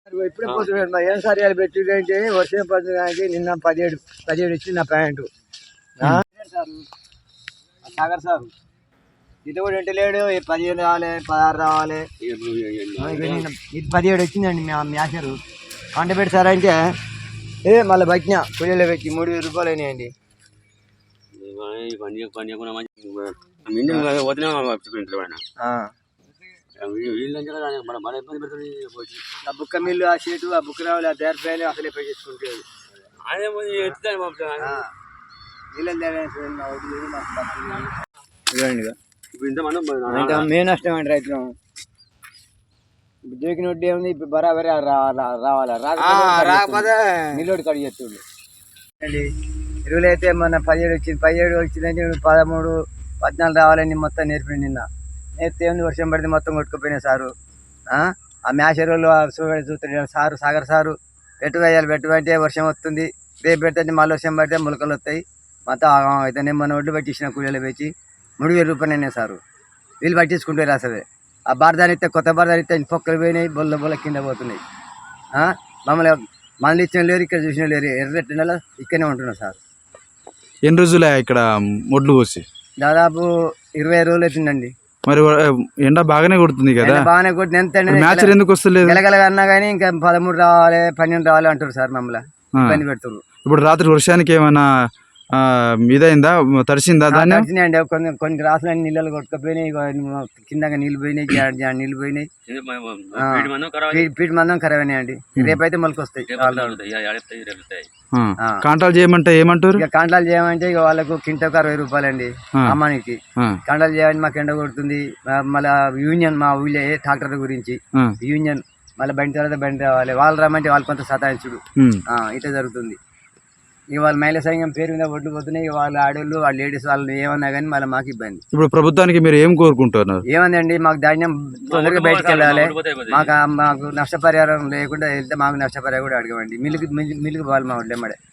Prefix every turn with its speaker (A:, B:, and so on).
A: ఇప్పుడే పోతున్నాడు ఏం సరియాలు పెట్టింటే వర్షం పడుతుంది. నిన్న 17 ఇచ్చింది నా ప్యాంటు. సాగర్ సార్ ఇది కూడా ఇంటి లేడు. 15 రావాలి, 16 రావాలి. ఇది 17 వచ్చిందండి మ్యాచరు. పంట పెట్టి సార్ అంటే మళ్ళీ బట్టిన కూలీలో పెట్టి 3000 రూపాయలు అయినాయండి. ఆ బుక్క మిల్లు, ఆ షీటు, ఆ బుక్ రావాలి, ఆ దేరపాయలు అసలే పెట్టేసుకుంటేది. మెయిన్ నష్టం అండి రైతులు. దొరికిన వడ్డీ ఏముంది ఇప్పుడు బరాబరి రావాలా రాకపోతే నిల్లుడి కడిగి చేస్తుండే అండి. ఎరువులు అయితే మన 17 వచ్చిందంటే 13, 14 రావాలని మొత్తం నేర్పిండి. నిన్న నేర్పితే ఏముంది వర్షం పడితే మొత్తం కొట్టుకుపోయినాయి సారు. ఆ మ్యాచ్ ఎరువులు చూస్తున్నాడు సారు, సాగర్ సారు. పెట్టు వేయాలి, పెట్టు అంటే వర్షం వస్తుంది. రేపు పెడితే మళ్ళీ వర్షం పడితే మొలకలు వస్తాయి. మొత్తం అయితే నేను మన ఒడ్డు పట్టించిన కూలీలు పెట్టి 3000 రూపాయలు అయినాయి సారు. వీళ్ళు పట్టించుకుంటారు అసలే. ఆ బారదాని ఇస్తే కొత్త బారదాని ఇస్తే పొక్కలు పోయినాయి, బొల్ల కింద పోతున్నాయి. మమ్మల్ని మనల్ని ఇచ్చిన లేరు, ఇక్కడ చూసిన లేరు. ఎర్రటి నెల ఇక్కడనే ఉంటున్నాం సార్.
B: ఎన్ని రోజులే ఇక్కడ మొడ్లు పోసి?
A: దాదాపు 20 రోజులు అవుతుందండి.
B: మరి ఎండ బాగానే కొడుతుంది కదా?
A: బాగానే కొట్టిన ఎంత
B: మ్యాచ్ ఎందుకు వస్తలేదు?
A: గెలగలగా అన్నా కానీ ఇంకా 13 రావాలి, 12 రావాలి అంటారు సార్. మమ్మల్ని ఇబ్బంది పెడుతున్నారు.
B: ఇప్పుడు రాత్రి వర్షానికి ఏమైనా ఇదైందా, తడిసిందా? దాన్ని
A: తడిచినాయండి. కొన్ని గ్రాసులన్నీ నీళ్ళు కొట్టుకుపోయినాయి, కింద నీళ్ళు పోయినాయి, నీళ్ళు పోయినాయి. పీటి మందం ఖరాబ్ అయినాయండి. రేపైతే మొలక వస్తాయి.
B: కాంటాలు చేయమంటే ఏమంటారు?
A: ఇక కాంటాలు చేయమంటే ఇక వాళ్ళకు కింటకు 60 రూపాయలు అండి అమ్మానికి. కాంటాలు చేయమని మాకు ఎండ కొడుతుంది. మళ్ళీ యూనియన్ మా ఊళ్ళో ట్రాక్టర్ గురించి యూనియన్ మళ్ళీ బండి తర్వాత బండి రావాలి. వాళ్ళు రమ్మంటే వాళ్ళు కొంత సతాయించుడు ఇట్లా జరుగుతుంది. ఇక వాళ్ళ మహిళా సంఘం పేరు మీద ఒడ్లు పోతున్నాయి. వాళ్ళ ఆడోళ్ళు, వాళ్ళ లేడీస్ వాళ్ళు ఏమన్నా కానీ మళ్ళీ మాకు ఇబ్బంది.
B: ఇప్పుడు ప్రభుత్వానికి మీరు ఏం కోరుకుంటున్నారు?
A: ఏమందండి, మాకు ధాన్యం తొందరగా బయటకు వెళ్ళాలి. మాకు నష్టపరిహారం లేకుండా వెళ్తే మాకు నష్టపరిహారం కూడా అడగమండి. మిల్లుకి పోవాలి మా వాళ్ళు ఎమ్మడే.